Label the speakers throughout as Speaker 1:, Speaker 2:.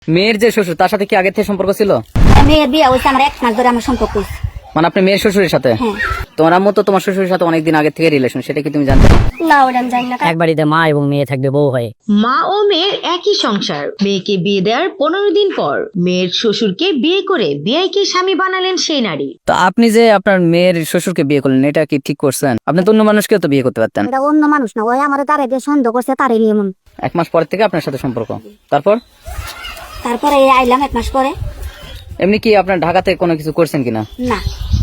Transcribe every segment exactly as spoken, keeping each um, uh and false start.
Speaker 1: মেয়ের যে শ্বশুর তার সাথে কি আগে থেকে সম্পর্ক ছিল?
Speaker 2: মেয়ের বিয়ে হয়েছে আমার এক মাস ধরে আমার সম্পর্ক হয়েছে।
Speaker 1: মানে আপনি মেয়ের শ্বশুরের সাথে?
Speaker 2: হ্যাঁ।
Speaker 1: তোমার আম্মু তো তোমার শ্বশুরের সাথে অনেকদিন আগে থেকে রিলেশন, সেটা কি তুমি জানতে?
Speaker 2: না ওটা আমি জানি না।
Speaker 3: এক বাড়িতে মা এবং মেয়ে থাকবে বউ হয়ে।
Speaker 4: মা ও মেয়ের একই সংসার। মেয়েকে বিয়ে দেওয়ার পনেরো দিন পর মেয়ের শ্বশুরকে বিয়ে করে বিয়াইকে স্বামী বানালেন সেই নারী।
Speaker 1: তো আপনি যে আপনার মেয়ের শ্বশুরকে বিয়ে করলেন, এটা কি ঠিক করছেন? আপনি তো অন্য মানুষকেও তো বিয়ে করতে পারতেন।
Speaker 2: এটা অন্য মানুষ না, ওই আমার তারে দিয়ে সন্দেহ করছে, তারে নিয়ে মন।
Speaker 1: এক মাস পর থেকে আপনার সাথে সম্পর্ক, তারপর
Speaker 2: তারপরে এই আইলাম এক মাস পরে।
Speaker 1: এমনি কি আপনার ঢাকাতে কোনো কিছু করছেন কিনা?
Speaker 2: না,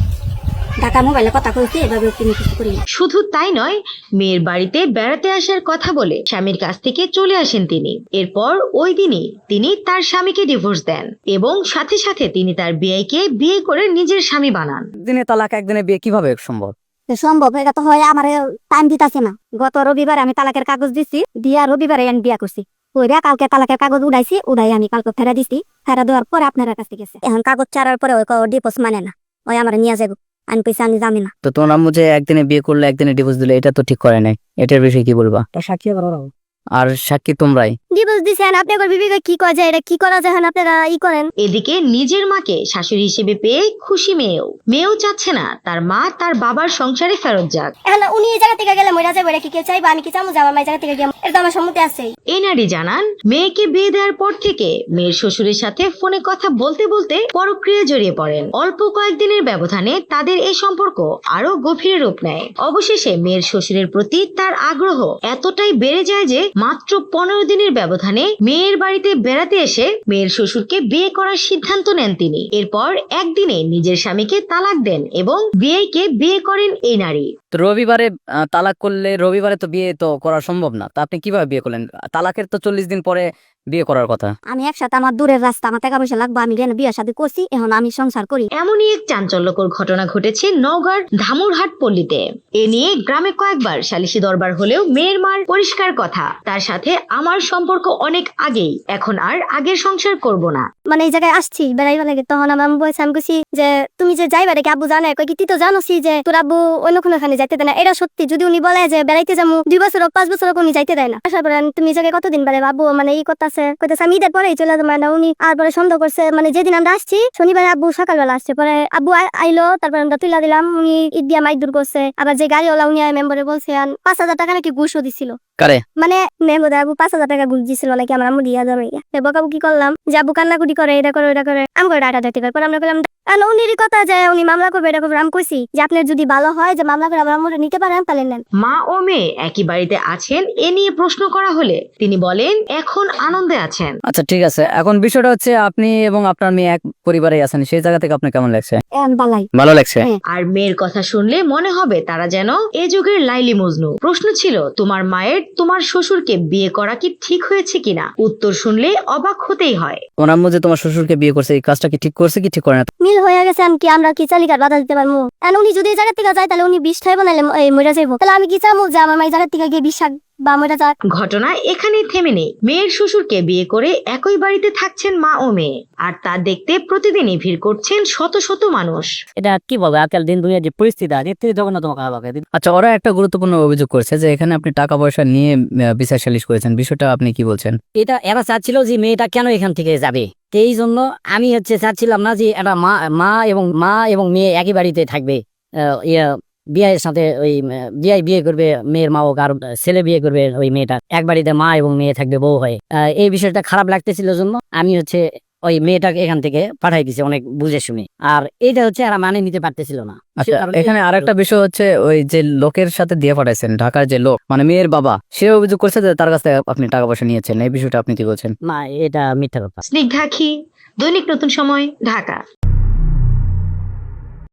Speaker 2: ঢাকা মোবাইলে কথা কইছি, এভাবে তিনি কিছু করি না।
Speaker 4: শুধু তাই নয়, মেয়ের বাড়িতে বেড়াতে আসার কথা বলে স্বামীর কাছ থেকে চলে আসেন তিনি। এরপর ওই দিনই তিনি তার স্বামীকে ডিভোর্স দেন এবং সাথে সাথে তিনি তার বিয়াইকে বিয়ে করে নিজের স্বামী বানান।
Speaker 1: দিনে তালাক, একদিনে বিয়ে কিভাবে সম্ভব?
Speaker 2: তো সম্ভব এটা তো হয়, আমার টাইম দিতেছে না। গত রবিবারে আমি তালাকের কাগজ দিছি, দিয়া রবিবারে আমি বিয়া করছি। ওইরা কালকে তালাকের কাগজ উড়াইছি, উড়াই আমি কালকে ফেরা দিছি। ফেরা দেওয়ার পরে আপনার কাছে গেছে। এখন কাগজ ছাড়ার পরে ওই ডিভোর্স মানে না, ওই আমার নিয়ে যাবো। আমি পয়সা আমি জানি না।
Speaker 1: তো তোমার আম্মু যে একদিনে বিয়ে করলে একদিনে ডিভোর্স দিলে, এটা তো ঠিক করে নাই। এটার বিষয়ে কি বলবা?
Speaker 3: সাক্ষী আবার ওরাও।
Speaker 1: আর সাক্ষী তোমরাই।
Speaker 2: ডিভোর্স দিছেন, আপনি একবার বিবেকে কি করা যায়, এটা কি করা যায় আপনারা ই করেন।
Speaker 4: এদিকে নিজের মাকে শাশুড়ি হিসেবে পেয়ে খুশি মেয়েও। মেয়েও চাচ্ছে না তার মা তার বাবার সংসারে ফেরত যাক।
Speaker 2: এখন উনি এই জায়গা থেকে গেলে মরে যাবে, এটা কি কেউ চাইবে? আমি কি চাবো যে আমার মায়ের জায়গা থেকে গিয়ে? এটা তো আমার সম্মতি আছে।
Speaker 4: এই নারী জানান, মেয়েকে বিয়ে দেওয়ার পর থেকে মেয়ের শ্বশুরের সাথে ফোনে কথা বলতে বলতে পরক্রিয়া জড়িয়ে পড়েন। অল্প কয়েকদিনের ব্যবধানে তাদের এই সম্পর্ক আরো গভীর রূপ নেয়। অবশেষে মেয়ের শ্বশুরের প্রতি তার আগ্রহ এতটাই বেড়ে যায় যে মাত্র পনেরো দিনের ব্যবধানে মেয়ের বাড়িতে বেড়াতে এসে মেয়ের শ্বশুরকে বিয়ে করার সিদ্ধান্ত নেন তিনি। এরপর একদিনে নিজের স্বামীকে তালাক দেন এবং বিয়েকে বিয়ে করেন এই নারী।
Speaker 1: তো রবিবারে আহ, তালাক করলে রবিবারে তো বিয়ে তো করা সম্ভব না। তা আপনি কিভাবে বিয়ে করলেন? তালাকের তো চল্লিশ দিন পরে বিয়ে করার কথা।
Speaker 2: আমি একসাথে আমার দূরের রাস্তা, আমার টাকা পয়সা লাগবে, আমি গেলে বিয়ের সাথে করছি, এখন আমি সংসার করি।
Speaker 4: এমনই এক চাঞ্চল্যকর ঘটনা ঘটেছে নওগাঁর ধামুরহাট পল্লীতে। এ নিয়ে গ্রামে কয়েকবার সালিশি দরবার হলেও মেয়ের মার পরিষ্কার কথা, তার সাথে আমার সম্পর্ক অনেক আগেই, এখন আর আগের সংসার করব না।
Speaker 2: মানে এই জায়গায় আসছি বেড়াইবা লাগে, তখন আমার আম্মু বলছে, আমি কইছি যে তুমি যে যাইবা রেখে আব্বু জানে, কই কি তুই তো জানোসি যে তোর আব্বু অন্য কোনো ওখানে যাইতে দেয় না। এটা সত্যি, যদি উনি বলে যে বেড়াইতে যাবো দুই বছর হোক পাঁচ বছর হোক, উনি যাইতে দেয় না। আসার পরে তুমি এই জায়গায় কতদিন বেড়ে আব্বু মানে এই করতেছে, কইতেছে আমি ঈদের পরেই চলে যাবো না। উনি আর পরে সন্দেহ করছে, মানে যেদিন আমরা আসছি শনিবারে আব্বু সকালবেলা আসছে, পরে আব্বু আ- আইলো, তারপরে আমরা তুইলা দিলাম। উনি ঈদ দিয়া মাইক দূর করছে। আবার যে গাড়িওয়ালা উনি মেম্বারে বলছে পাঁচ হাজার টাকা নাকি ঘুষও দিছিল।
Speaker 1: কারে?
Speaker 2: মানে মেম্বার আবু পাঁচ হাজার টাকা ঘুষ দিছিল নাকি আমার আম্মু দিয়া যাবে। বকাবু কি করলাম যে আব্বু কান্নাকুটি করে, এটা করে ওটা করে, আমি করে ডাটা ডাটি করে আমরা বললাম উনিরই কথা যে উনি মামলা করবে, এটা করবে। আমি কইছি যে আপনার যদি ভালো হয় যে মামলা করে আমার আম্মুরে নিতে পারেন তাহলে নেন।
Speaker 4: মা ও মেয়ে একই বাড়িতে আছেন এ নিয়ে প্রশ্ন করা হলে তিনি বলেন এখন আনন্দে আছেন।
Speaker 1: আচ্ছা ঠিক আছে, এখন বিষয়টা হচ্ছে আপনি এবং আপনার মেয়ে এক পরিবারে আছেন, সেই জায়গা থেকে আপনার কেমন লাগছে?
Speaker 2: এখন বালাই
Speaker 1: ভালো লাগছে।
Speaker 4: আর মেয়ের কথা শুনলে মনে হবে তারা যেন এ যুগের লাইলি মজনু। প্রশ্ন ছিল তোমার মায়ের তোমার শ্বশুরকে বিয়ে করা কি ঠিক হয়েছে কিনা? উত্তর শুনলে অবাক হতেই হয়।
Speaker 1: তোমার আম্মু যে তোমার শ্বশুরকে বিয়ে করছে, এই কাজটা কি ঠিক করছে কি ঠিক করে না?
Speaker 2: মিল হয়ে গেছে। আমি কি আমরা কি চালিকার বাধা দিতে পারবো? এখন উনি যদি এই জায়গা থেকে যায় তাহলে উনি বিষ খাই বানাইলে এই মরে যাইবো। তাহলে আমি কি চাবো যে আমার মায়ের জায়গা থেকে গিয়ে বিষ খাক বা মরে যাক?
Speaker 4: ঘটনা এখানেই থেমে নেই। মেয়ের শ্বশুরকে বিয়ে করে একই বাড়িতে থাকছেন মা ও মেয়ে, আর তা দেখতে প্রতিদিনই ভিড় করছেন শত শত মানুষ।
Speaker 3: এটা কি বলবো, আজকাল দিন দুনিয়ার যে পরিস্থিতি আছে, এর থেকে জঘন্য তোমাকে হবে।
Speaker 1: আচ্ছা, ওরা একটা গুরুত্বপূর্ণ অভিযোগ করছে যে এখানে আপনি টাকা পয়সা নিয়ে আহ, বিচার সালিশ করেছেন, বিষয়টা আপনি কি বলছেন?
Speaker 3: এটা এরা চাচ্ছিল যে মেয়েটা কেন এখান থেকে যাবে, তো এই জন্য আমি হচ্ছে চাচ্ছিলাম না যে এটা মা মা এবং মা এবং মেয়ে একই বাড়িতে থাকবে। আহ, ইয়া বিয়ের সাথে ওই বিয়ে বিয়ে করবে মেয়ের মা, ও আর ছেলে বিয়ে করবে ওই মেয়েটা, এক বাড়িতে মা এবং মেয়ে থাকবে বউ হয়ে। আহ, এই বিষয়টা খারাপ লাগতেছিল জন্য আমি হচ্ছে ওই মেয়েটাকে এখান থেকে পাঠাই দিছি অনেক বুঝে শুনে। আর এটা হচ্ছে এরা মানে নিতে পারতেছিল না।
Speaker 1: আচ্ছা, এখানে আরেকটা বিষয় হচ্ছে ওই যে লোকের সাথে দিয়ে পাঠাইছেন, ঢাকার যে লোক মানে মেয়ের বাবা, সে অভিযোগ করছে যে তার কাছ থেকে আপনি টাকা পয়সা নিয়েছেন, এই বিষয়টা আপনি কি বলছেন?
Speaker 3: না, এটা মিথ্যা কথা।
Speaker 4: স্নিগ্ধা খি, দৈনিক নতুন সময়, ঢাকা।